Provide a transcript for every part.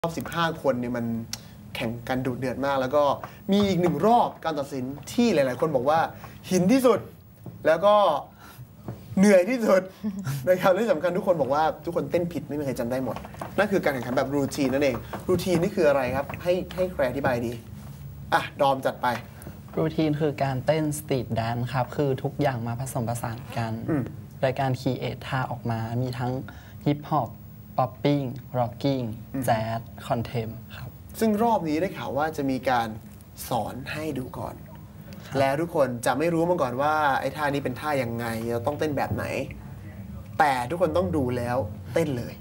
รอบ15 คนเนี่ยมันแข่งกันดุเดือดมากแล้วก็มีอีกหนึ่งรอบการตัดสินที่หลายๆคนบอกว่าหินที่สุดแล้วก็เหนื่อยที่สุดนะครับที่สำคัญทุกคนบอกว่าทุกคนเต้นผิดไม่มีใครจำได้หมดนั่นคือการแข่งขันแบบรูทีนนั่นเองรูทีนนี่คืออะไรครับให้ใครอธิบายดีอ่ะดอมจัดไปรูทีนคือการเต้นสตรีทแดนซ์ครับคือทุกอย่างมาผสมผสานกันรายการคีเอทท่าออกมามีทั้งฮิปฮอปป๊อปปิ้งร็อกกิ้งแจ๊สคอนเทมครับซึ่งรอบนี้ได้ข่าวว่าจะมีการสอนให้ดูก่อนแล้วทุกคนจะไม่รู้มาก่อนว่าไอ้ท่านี้เป็นท่ายังไงเราต้องเต้นแบบไหนแต่ทุกคนต้องดูแล้วเต้นเลย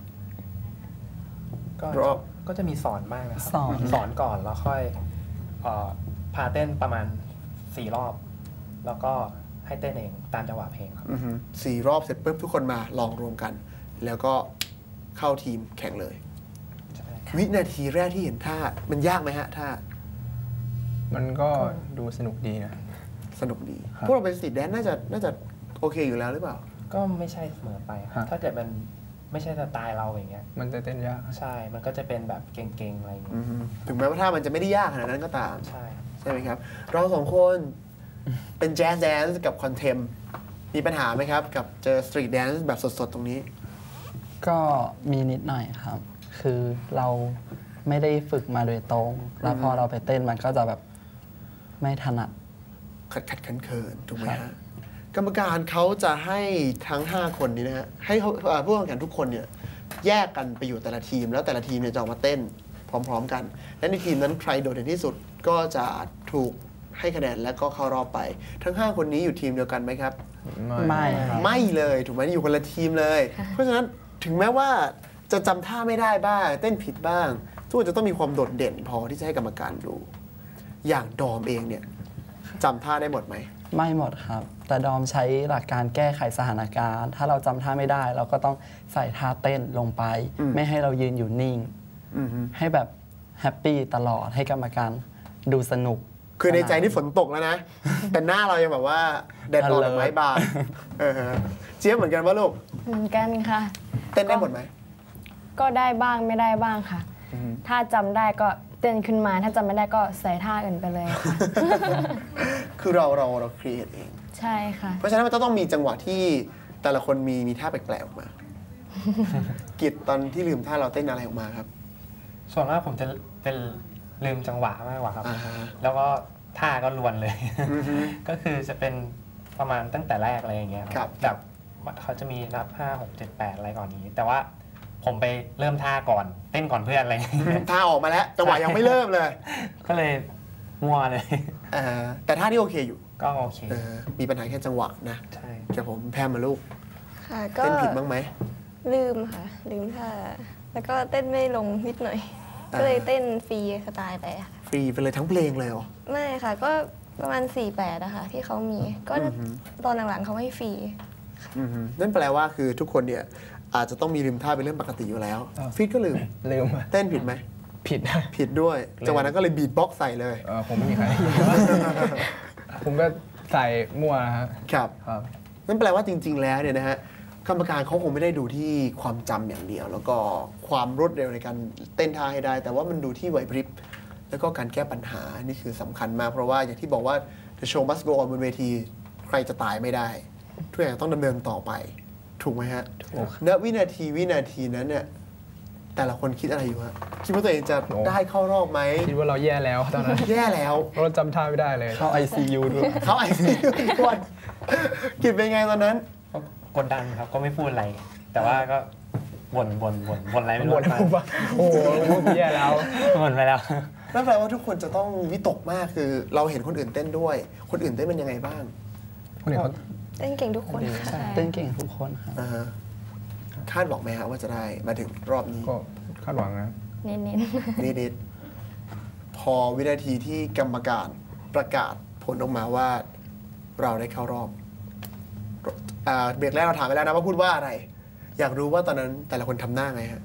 ก็จะมีสอนบ้างนะครับสอนก่อนแล้วค่อยพาเต้นประมาณ4 รอบแล้วก็ให้เต้นเองตามจังหวะเพลงครับ 4 รอบเสร็จปุ๊บทุกคนมาลองรวมกันแล้วก็เข้าทีมแข่งเลยวินาทีแรกที่เห็นท่ามันยากไหมฮะท่ามันก็ดูสนุกดีนะสนุกดีพวกเราเป็นสตรีทแดนซ์น่าจะโอเคอยู่แล้วหรือเปล่าก็ไม่ใช่เสมอไปถ้าเกิดมันไม่ใช่สไตล์เราอย่างเงี้ยมันจะเต้นยากใช่มันก็จะเป็นแบบเก่งๆอะไรอย่างเงี้ยถึงแม้ว่าท่ามันจะไม่ได้ยากขนาดนั้นก็ตามใช่ไหมครับเราสองคนเป็นแจ๊สแดนซ์กับคอนเทมมีปัญหาไหมครับกับเจอสตรีทแดนซ์แบบสดๆตรงนี้ก็มีนิดหน่อยครับคือเราไม่ได้ฝึกมาโดยตรงแล้วพอเราไปเต้นมันก็จะแบบไม่ถนัดขัดเขินถูกไหมฮะกรรมการเขาจะให้ทั้ง5 คนนี้นะฮะให้ผู้แข่งขันทุกคนเนี่ยแยกกันไปอยู่แต่ละทีมแล้วแต่ละทีมเนี่ยจะออกมาเต้นพร้อมๆกันและในทีมนั้นใครโดดเด่นที่สุดก็จะถูกให้คะแนนและก็เข้ารอบไปทั้ง5 คนนี้อยู่ทีมเดียวกันไหมครับไม่เลยถูกไหมอยู่คนละทีมเลยเพราะฉะนั้นถึงแม้ว่าจะจำท่าไม่ได้บ้างเต้นผิดบ้างทุกคนจะต้องมีความโดดเด่นพอที่จะให้กรรมการดูอย่างดอมเองเนี่ยจำท่าได้หมดไหมไม่หมดครับแต่ดอมใช้หลักการแก้ไขสถานการณ์ถ้าเราจำท่าไม่ได้เราก็ต้องใส่ท่าเต้นลงไปไม่ให้เรายืนอยู่นิ่งให้แบบแฮปปี้ตลอดให้กรรมการดูสนุกคือในใจนี่ฝนตกแล้วนะแต่หน้าเรายังแบบว่าแดดร้อนไม้บานเจี๊ยบเหมือนกันว่าลูกเหมือนกันค่ะเต้นได้หมดไหมก็ได้บ้างไม่ได้บ้างค่ะถ้าจำได้ก็เต้นขึ้นมาถ้าจำไม่ได้ก็ใส่ท่าอื่นไปเลยค่ะคือเราครีเอทเองใช่ค่ะเพราะฉะนั้นมันต้องมีจังหวะที่แต่ละคนมีท่าแปลกๆออกมากิจตอนที่ลืมท่าเราเต้นอะไรออกมาครับส่วนมากผมจะเป็นลืมจังหวะมากกว่าครับแล้วก็ท่าก็ลวนเลยก็คือจะเป็นประมาณตั้งแต่แรกอะไรอย่างเงี้ยครับแบบเขาจะมีนับ5 6 7 8อะไรก่อนนี้แต่ว่าผมไปเริ่มท่าก่อนเต้นก่อนเพื่อนอะไรท่าออกมาแล้วจังหวะยังไม่เริ่มเลยก็เลยมั่วเลยแต่ท่าที่โอเคอยู่ก็โอเคมีปัญหาแค่จังหวะนะใช่ครับผมแพมมาลูกค่ะก็เต้นผิดบ้างไหมลืมค่ะลืมท่าแล้วก็เต้นไม่ลงนิดหน่อยก็เลยเต้นฟรีสไตล์ไปค่ะฟรีไปเลยทั้งเพลงเลยเหรอไม่ค่ะก็ประมาณ48นะคะที่เขามีก็ตอนหลังๆเขาให้ฟรีนั่นแปลว่าคือทุกคนเนี่ยอาจจะต้องมีลืมท่าเป็นเรื่องปกติอยู่แล้วฟิตก็ลืมเต้นผิดไหมผิดด้วยจังหวะนั้นก็เลยบีทบ็อกซ์ใส่เลยผมไม่มีใครผมก็ใส่มั่วครับนั่นแปลว่าจริงๆแล้วเนี่ยนะฮะกรรมการเขาคงไม่ได้ดูที่ความจำอย่างเดียวแล้วก็ความรวดเร็วในการเต้นท่าให้ได้แต่ว่ามันดูที่ไหวพริบแล้วก็การแก้ปัญหานี่คือสำคัญมากเพราะว่าอย่างที่บอกว่า The show must go on บนเวทีใครจะตายไม่ได้ทุกอย่างต้องดำเนินต่อไปถูกไหมฮะณวินาทีนั้นเนี่ยแต่ละคนคิดอะไรอยู่ฮะคิดว่าตัวเองจะได้เข้ารอบไหมคิดว่าเราแย่แล้วตอนนั้นแย่แล้วเราจำท่าไม่ได้เลยเข้า ICU ด้วยเข้า ICU ด้วยคิดเป็นไงตอนนั้นกดดันครับก็ไม่พูดอะไรแต่ว่าก็บ่นอะไรไม่รู้โอ้โหแย่แล้วบ่นไปแล้วนั่นแปลว่าทุกคนจะต้องวิตกมากคือเราเห็นคนอื่นเต้นด้วยคนอื่นเต้นเป็นยังไงบ้างคนอื่นเต้นเก่งทุกคนเต้นเก่งทุกคนครับคาดหวังไหมฮะว่าจะได้มาถึงรอบนี้ก็คาดหวังนะนิดพอวินาทีที่กรรมการประกาศผลออกมาว่าเราได้เข้ารอบเบรกแรกเราถามไปแล้วนะว่าพูดว่าอะไรอยากรู้ว่าตอนนั้นแต่ละคนทำหน้าไงฮะ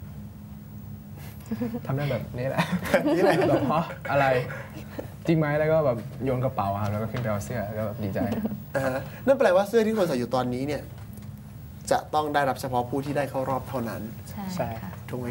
ทำหน้าแบบนี้แหละแบบเพราะอะไรจริงไหมแล้วก็แบบโยนกระเป๋าครับแล้วก็ขึ้นไปเอาเสื้อแล้วก็แบบดีใจนั่นแปลว่าเสื้อที่คนใส่อยู่ตอนนี้เนี่ยจะต้องได้รับเฉพาะผู้ที่ได้เข้ารอบเท่านั้นใช่ถูกไหมครับ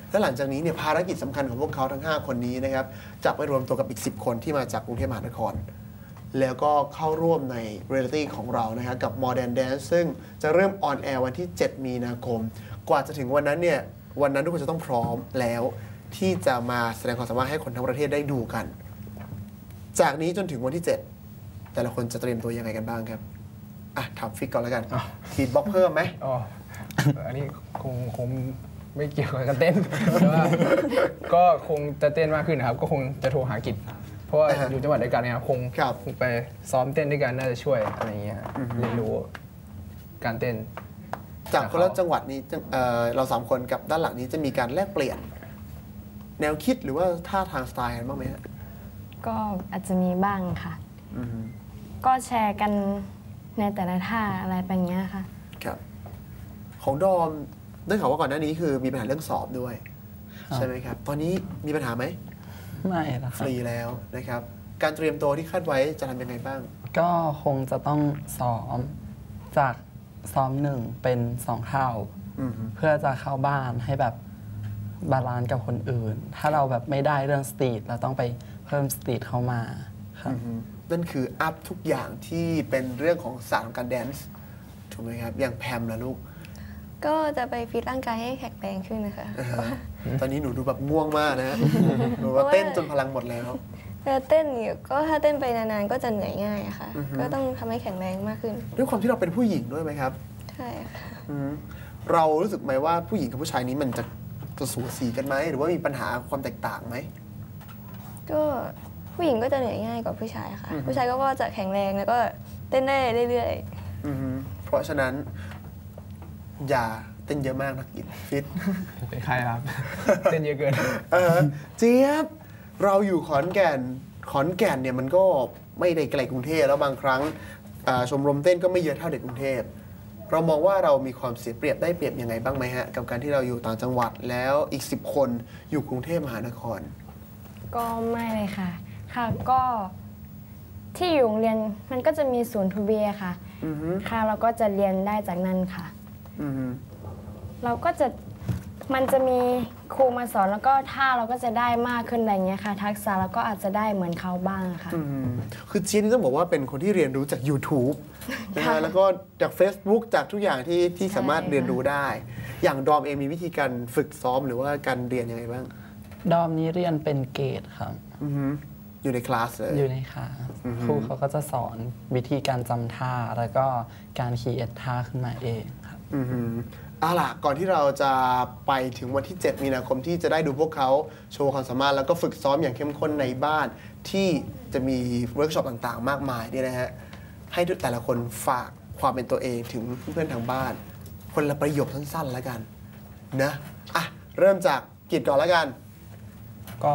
และหลังจากนี้เนี่ยภารกิจสำคัญของพวกเขาทั้ง5คนนี้นะครับจะไปรวมตัวกับอีก10คนที่มาจากกรุงเทพมหานครแล้วก็เข้าร่วมในเรียลิตี้ของเรานะครับกับ Modern Dance ซึ่งจะเริ่มออนแอร์วันที่7 มีนาคมกว่าจะถึงวันนั้นเนี่ยวันนั้นทุกคนจะต้องพร้อมแล้วที่จะมาแสดงความสามารถให้คนทั้งประเทศได้ดูกัน จากนี้จนถึงวันที่7แต่ละคนจะเตรียมตัวยังไงกันบ้างครับถามฟิกก่อนแล้วกันทีดบล็อกเพิ่มไหมอ๋ออันนี้คงไม่เกี่ยวกับการเต้นแต่ว่าก็คงจะเต้นมากขึ้นนะครับก็คงจะโทรหากิจเพราะว่าอยู่จังหวัดเดียวกันนะครับคงไปซ้อมเต้นด้วยกันน่าจะช่วยอะไรอย่างเงี้ยเรียนรู้การเต้นจากคนละจังหวัดนี้เรา3คนกับด้านหลังนี้จะมีการแลกเปลี่ยนแนวคิดหรือว่าท่าทางสไตล์กันบ้างไหมฮะก็อาจจะมีบ้างค่ะก็แชร์กันในแต่ละท่าอะไรแบบนี้ค่ะครับของดอมได้ข่าวว่าก่อนหน้านี้คือมีปัญหาเรื่องสอบด้วยใช่ไหมครับตอนนี้มีปัญหาไหมไม่ละฟรีแล้วนะครับการเตรียมตัวที่คาดไว้จะทำยังไงบ้างก็คงจะต้องซ้อมจากซ้อม1เป็น2 เท่าเพื่อจะเข้าบ้านให้แบบบาลานซ์กับคนอื่นถ้าเราแบบไม่ได้เรื่องสตรีทเราต้องไปเพิ่มสตรีทเข้ามาครับนั่นคืออัพทุกอย่างที่เป็นเรื่องของศาสตร์ของการแดนซ์ถูกไหมครับอย่างแพมล่ะลูกก็จะไปฟิตร่างกายให้แข็งแรงขึ้นนะคะตอนนี้หนูดูแบบง่วงมากนะหนูว่าเต้นจนพลังหมดแล้วเต้นก็ถ้าเต้นไปนานๆก็จะเหนื่อยง่ายค่ะก็ต้องทำให้แข็งแรงมากขึ้นด้วยความที่เราเป็นผู้หญิงด้วยไหมครับใช่ค่ะเรารู้สึกไหมว่าผู้หญิงกับผู้ชายนี้มันจะสูสีกันไหมหรือว่ามีปัญหาความแตกต่างไหมก็ผู้หญิงก็จะเหนื่อยง่ายกว่าผู้ชายค่ะผู้ชายก็จะแข็งแรงแล้วก็เต้นได้เรื่อยๆเพราะฉะนั้นอย่าเต้นเยอะมากนักกินฟิตเป็นใครครับเต้นเยอะเกินเจี๊ยบเราอยู่ขอนแก่นเนี่ยมันก็ไม่ได้ไกลกรุงเทพแล้วบางครั้งชมรมเต้นก็ไม่เยอะเท่าเด็กกรุงเทพเรามองว่าเรามีความเสียเปรียบได้เปรียบยังไงบ้างไหมฮะกับการที่เราอยู่ต่างจังหวัดแล้วอีก10 คนอยู่กรุงเทพมหานครก็ไม่เลยค่ะก็ที่อยู่โรงเรียนมันก็จะมีศูนย์ทูเบียค่ะค่ะเราก็จะเรียนได้จากนั้นค่ะเราก็จะมันจะมีครูมาสอนแล้วก็ท่าเราก็จะได้มากขึ้นอะไรเงี้ยค่ะทักษะเราก็อาจจะได้เหมือนเขาบ้างค่ะคือเจี๊ยบนี่ต้องบอกว่าเป็นคนที่เรียนรู้จาก YouTube นะฮะแล้วก็จาก Facebook จากทุกอย่างที่สามารถเรียนรู้ได้อย่างดอมเองมีวิธีการฝึกซ้อมหรือว่าการเรียนยังไงบ้างดอมนี้เรียนเป็นเกรดครับอยู่ในคลาสเลยอยู่ในคลาสครูเขาก็จะสอนวิธีการจำท่าแล้วก็การคีเอทท่าขึ้นมาเองครับเอาล่ะก่อนที่เราจะไปถึงวันที่7 มีนาคมที่จะได้ดูพวกเขาโชว์ความสามารถแล้วก็ฝึกซ้อมอย่างเข้มข้นในบ้านที่จะมีเวิร์กช็อปต่างๆมากมายเนี่ยนะฮะให้แต่ละคนฝากความเป็นตัวเองถึงเพื่อนทางบ้านคนละประโยคสั้นๆแล้วกันนะเริ่มจากกิจก่อนแล้วกันก็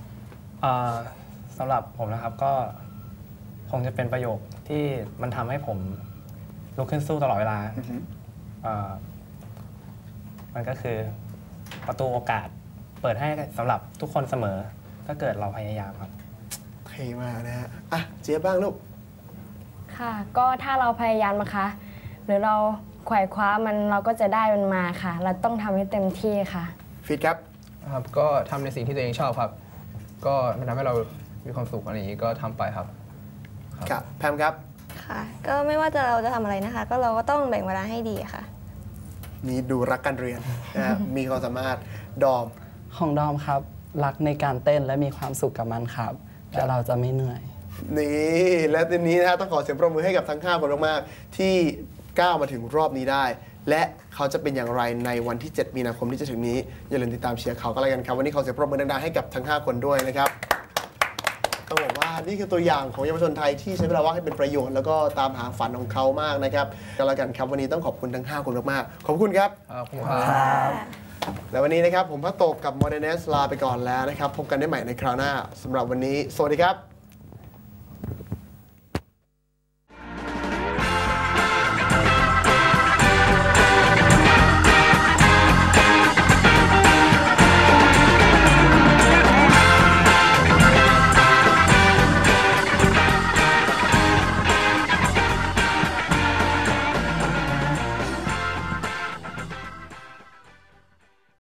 สำหรับผมนะครับก็คงจะเป็นประโยคที่มันทำให้ผมลุกขึ้นสู้ตลอดเวลามันก็คือประตูโอกาสเปิดให้สำหรับทุกคนเสมอถ้าเกิดเราพยายามครับเท่มากนะฮะเจี๊ยบบ้างลูกค่ะก็ถ้าเราพยายามนะคะหรือเราไขว่คว้ามันเราก็จะได้มันมาค่ะเราต้องทำให้เต็มที่ค่ะฟิตครับก็ทำในสิ่งที่ตัวเองชอบครับก็มันทำให้เรามีความสุขอะไรอย่างนี้ก็ทำไปครับครับแพมครับค่ะก็ไม่ว่าเราจะทำอะไรนะคะก็เราก็ต้องแบ่งเวลาให้ดีค่ะนี่ดูรักการเรียนมีความสามารถดอมของดอมครับรักในการเต้นและมีความสุขกับมันครับแล้วเราจะไม่เหนื่อยนี่และทีนี้นะต้องขอเสียงปรบมือให้กับทั้ง5 คนมากๆที่ก้าวมาถึงรอบนี้ได้และเขาจะเป็นอย่างไรในวันที่7 มีนาคมที่จะถึงนี้อย่าลืมติดตามเชียร์เขาก็แล้วกันครับวันนี้ขอเสียงปรบมือดังๆให้กับทั้ง5 คนด้วยนะครับต้องบอกว่านี่คือตัวอย่างของเยาวชนไทยที่ใช้เวลาว่างให้เป็นประโยชน์แล้วก็ตามหาฝันของเขามากนะครับก็แล้วกันครับวันนี้ต้องขอบคุณทั้ง5 คนมากๆขอบคุณครับขอบคุณครับและวันนี้นะครับผมพระโตกับ Modern Dance ลาไปก่อนแล้วนะครับพบกันได้ใหม่ในคราวหน้าสำหรับวันนี้สวัสดีครับ